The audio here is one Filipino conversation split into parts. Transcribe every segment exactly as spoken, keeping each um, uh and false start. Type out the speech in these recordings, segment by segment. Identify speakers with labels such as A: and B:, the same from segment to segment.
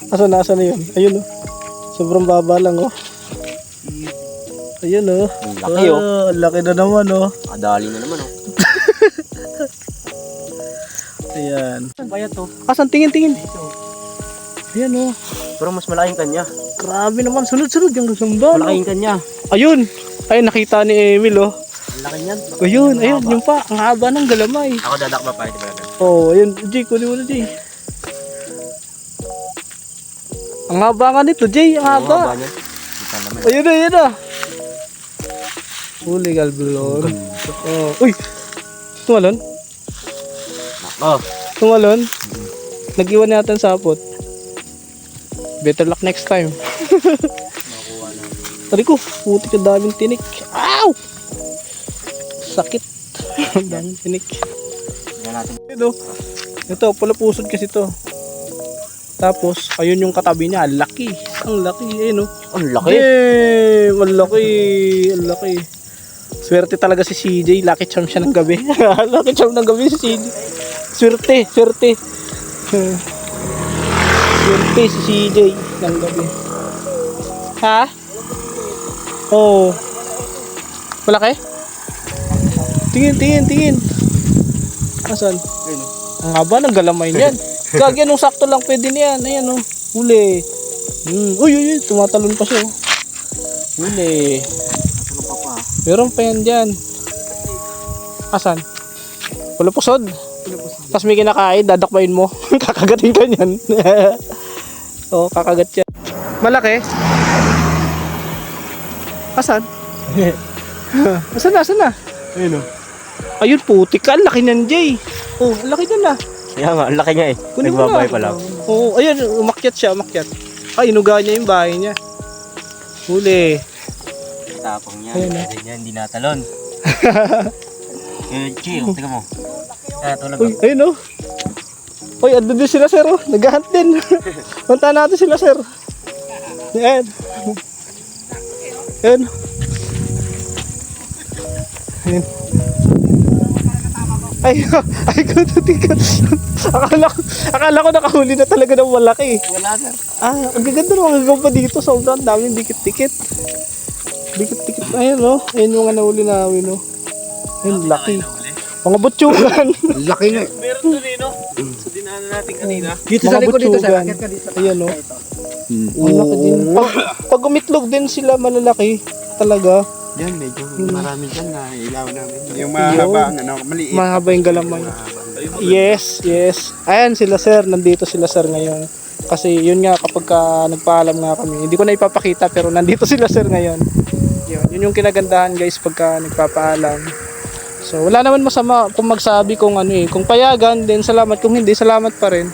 A: Asan na, asan na yun? Ayun oh. Sobrang baba lang oh. Ayun oh.
B: Ang laki oh.
A: Oh, ang laki na naman oh.
B: Kadali na naman oh.
A: Ayan.
B: Bayat to.
A: Asan? Tingin, tingin. Ayan oh.
B: Pero mas malaking kanya.
A: Grabe naman. Sunod-sunod yung sumba.
B: Malaking kanya.
A: Ayun. Ayun, nakita ni Emil oh.
B: Ang laki niyan.
A: Ayun, ayun. Yung pa. Ang haba ng galamay.
B: Ako dadakba pa ito ba?
A: Oh, ayun. Jay, kunin mo na Jay. Ang haba nga nito Jay. Ang haba.
B: niyan. Kita naman.
A: Ayun na, ayun na. Huli galbulon. Oh. Uy! Tumalon?
B: Oh.
A: Tumalon? Nag-iwan natin sapot. Better luck next time. Tari ko, puti ka daming tinik. Ow! Sakit. Daming tinik. Ito, ito, pala pusod kasi to. Tapos, ayun yung katabi niya. Ang laki. Ang laki. Ayun oh.
B: Ang laki.
A: Eh, ang laki. Ang laki. Swerte talaga si C J. Lucky charm siya ng gabi. Lucky charm ng gabi si C J. Swerte, swerte. Swerte si C J ng gabi. Ha? Oh. Malaki? Tingin, tingin, tingin. Asan? Ang haba ng galamay niyan. Gagi, anong sakto lang pwede niyan. Ayan oh. Huli. Hmm. Uy, uy, uy. Tumatalon pa siya oh. Huli.
B: Ano pa pa?
A: Meron pa yan dyan. Asan? Wala pusod. Tapos may kinakain, dadakbayin mo. Kakagatin ka niyan. Oo, kakagat yan. Malaki? Asan? Asan na, asan na?
B: Ayun oh.
A: Ayun, putik ka. Ang laki niyan, Jay. Oh, ang laki niyan na.
B: Kaya nga, ang laki niya eh.
A: Kunin mo
B: Nagbabay
A: na.
B: pa lang.
A: Oo, ayun, umakyat siya, umakyat. Ay, inuga niya yung bahay niya. Huli.
B: Tapang niya.
A: Ayun,
B: Kasi niya, hindi natalon. Eh, Chi, oh, tingnan mo. Ah, tulog
A: Uy, ayun oh. Uy, andun din sila sir oh. Nag-hunt din. Punta natin sila sir. Ayan. Ayan. Ayan. Ay, ay ko tutikan. Akala ko, akala ko nakahuli na talaga ng malaki.
B: Wala sir.
A: Ah, ang gaganda ng mga gawpa dito. Sobrang daming dikit-dikit. Dikit-dikit. Ayun oh. Ayun yung nga nahuli namin oh. Ayun, laki. Mga butsugan.
C: Laki nga.
B: Meron doon eh, no? Sa dinaanan natin kanina.
C: Dito
A: Mga
C: sa likod dito
A: butsugan.
C: sa akit ka dito.
A: Ayan oh. Ang laki din. Pag, pag umitlog din sila malalaki talaga.
C: Yan, medyo marami dyan na ilaw namin.
D: Yung mahaba ang ano, maliit.
A: Mahaba yung galamay. Yes, yes. Ayan sila sir, nandito sila sir ngayon. Kasi yun nga kapag ka nagpaalam nga kami, hindi ko na ipapakita pero nandito sila sir ngayon. Yun, yun yung kinagandahan guys pagka nagpapaalam. So wala naman masama kung magsabi kung ano eh, kung payagan din salamat, kung hindi salamat pa rin.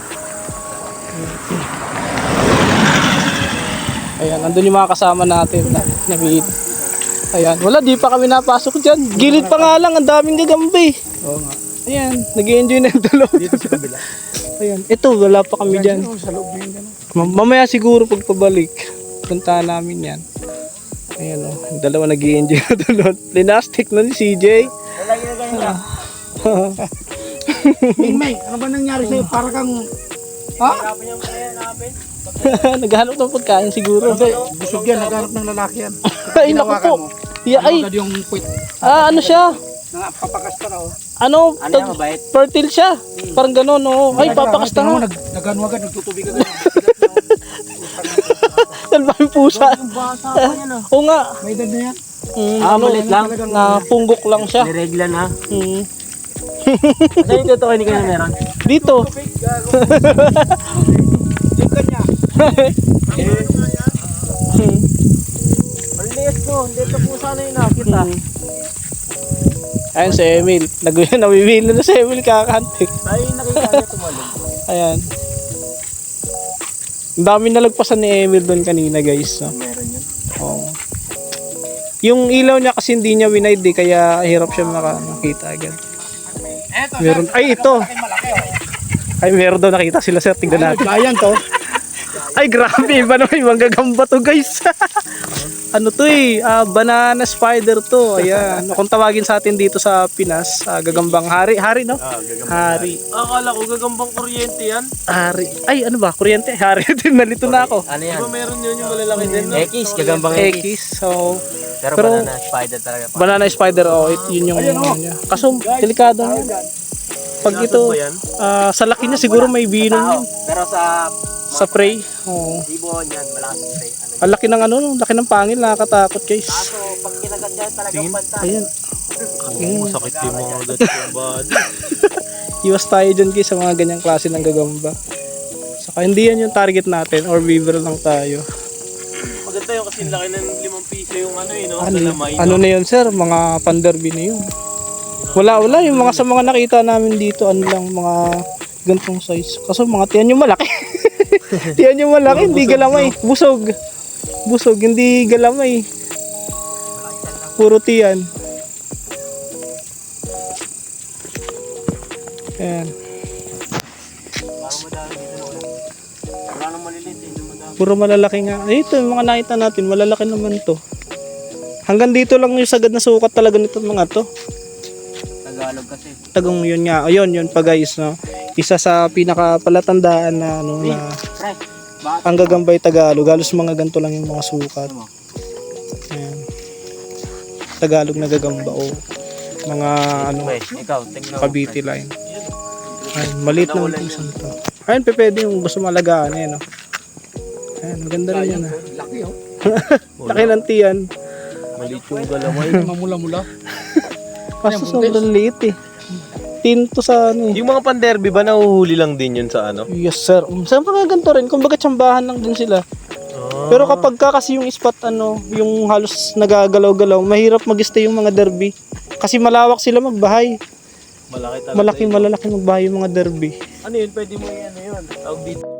A: Ayan, nandun yung mga kasama natin na nag-eat. Ayan, wala, di pa kami napasok dyan. Gilid pa nga lang, ang daming gagambi.
C: Oo nga.
A: Ayan, nag-i-enjoy na yung dalawa.
C: Dito sa kabila.
A: Ayan, ito, wala pa kami dyan.
C: Sa loob na yun.
A: Ma- Mamaya siguro pagpabalik, puntahan namin yan. Ayan o, yung dalawa nag-i-enjoy na doon. Linastic na ni C J.
B: Wala yung ganyan.
C: Ming May, ano ba nangyari sa'yo? Para kang... Ha?
B: Hirapan niya mo kaya hanapin.
A: Naghahanap ng pagkain siguro.
C: Busog yan, naghanap ng lalaki yan.
A: Ay, naku po. Yeah, ay,
C: Agad yung puwit.
A: ah, ano siya?
C: Papakasta na oh.
A: Ano,
B: Ano
A: tag-
B: yan, mabait?
A: fertile siya. Parang gano'n, oo. Ay, papakasta nga.
C: Nagano agad, nagtutubig agad.
A: Dalbang pusa.
B: Yung bata pa yan ah.
A: Oo nga.
C: May edad na yan.
A: Mm,
B: Ah,
A: ano,
B: malit lang.
A: na punggok lang siya.
B: Niregla na.
A: Mm.
B: Saan yung totoo hindi ka na meron?
A: Dito.
C: Yung kanya.
A: Mm.
B: Ang liit ko. Hindi ito po sana yung nakita.
A: Mm. Ayan si Emil. Nag- Nawimili na si Emil kakakantik.
B: Tayo yung nakita niya tumalong.
A: Ayan. Ang dami nalagpasan ni Emil doon kanina guys. No?
B: Meron yun.
A: Oo. Yung ilaw niya kasi hindi niya winide eh, kaya hirap siya maka- makita agad. Meron, ay ito. Ay meron daw nakita sila sir, tignan natin.
C: Giant to.
A: Ay, grabe. Iba naman yung manggagamba to, guys. Ano to eh, ah, banana spider to. Ayan. Kung tawagin sa atin dito sa Pinas, ah, gagambang hari. Hari, no? Hari.
B: Akala ko gagambang kuryente yan.
A: Hari. Ay, ano ba? Kuryente? Hari din. Nalito na ako.
E: Ano
B: Di
E: yan?
B: ba meron yun yung malalaki din? no?
E: X, gagambang X.
A: X. So,
E: Pero,
A: Pero-
E: banana spider talaga.
A: banana spider. Oh, it, yun yung ano niya. Kaso, delikado na. Pag ito,
B: Ba yan?
A: ah, sa laki niya siguro may binom yun.
E: Pero sa
A: Sa prey. Oo.
E: ibon yan, malakas yung prey. Ano
A: Ang laki ng ano, ang laki ng pangil, nakakatakot guys.
E: So, pag kinagat yan, talagang panta.
A: Ayan.
B: Oo, sakit yung mga ugat yung body.
A: Iwas tayo dyan guys sa mga ganyang klase ng gagamba. Saka hindi yan yung target natin or beaver lang tayo.
B: Maganda yung kasi laki ng limang piso yung ano eh, no?
A: Ano,
B: Kalamay,
A: ano
B: no?
A: na yun sir, mga panderby na yun. Wala wala yung mga sa mga nakita namin dito, ano lang mga gantong size. Kaso mga tiyan yung malaki. Tiyan yung malaki, hindi galamay. Busog. Busog, hindi galamay. Puro tiyan. Ayan.
B: Parang madami dito na ulit. Wala nang maliliit eh, hindi madami.
A: Puro malalaki nga. Eh, ito yung mga nakita natin, malalaki naman to. Hanggang dito lang yung sagad na sukat talaga nito mga to.
E: Tagalog kasi.
A: Tagong yun nga. Ayun, yun pa guys, no. Isa sa pinakapalatandaan na ano na
E: Pre, bakit?
A: ang gagambay Tagalog. Halos mga ganito lang yung mga sukat. Ayan. Tagalog na gagamba o mga ano,
E: Pre, ikaw, tingnan mo.
A: Cavite line. Ay, maliit naman itong isang to. Ayun, pe, pwede yung gusto malagaan eh, no. Ayan, maganda rin yan ah.
C: Laki oh.
A: Laki ng tiyan.
B: Maliit yung galamay.
C: Mamula-mula.
A: Kaso sobrang liit eh. Tinto sa ano eh.
B: Yung mga panderby ba nahuhuli lang din yun sa ano?
A: Yes sir. Um, Saan mga ganito rin? Kumbaga tsambahan lang din sila.
B: Ah.
A: Pero kapag ka kasi yung spot ano, yung halos nagagalaw-galaw, mahirap mag-stay yung mga derby. Kasi malawak sila magbahay.
B: Malaki talaga.
A: Malaki malalaki magbahay yung mga derby.
B: Ano yun? Pwede mo yan, ano yun? Tawag dito.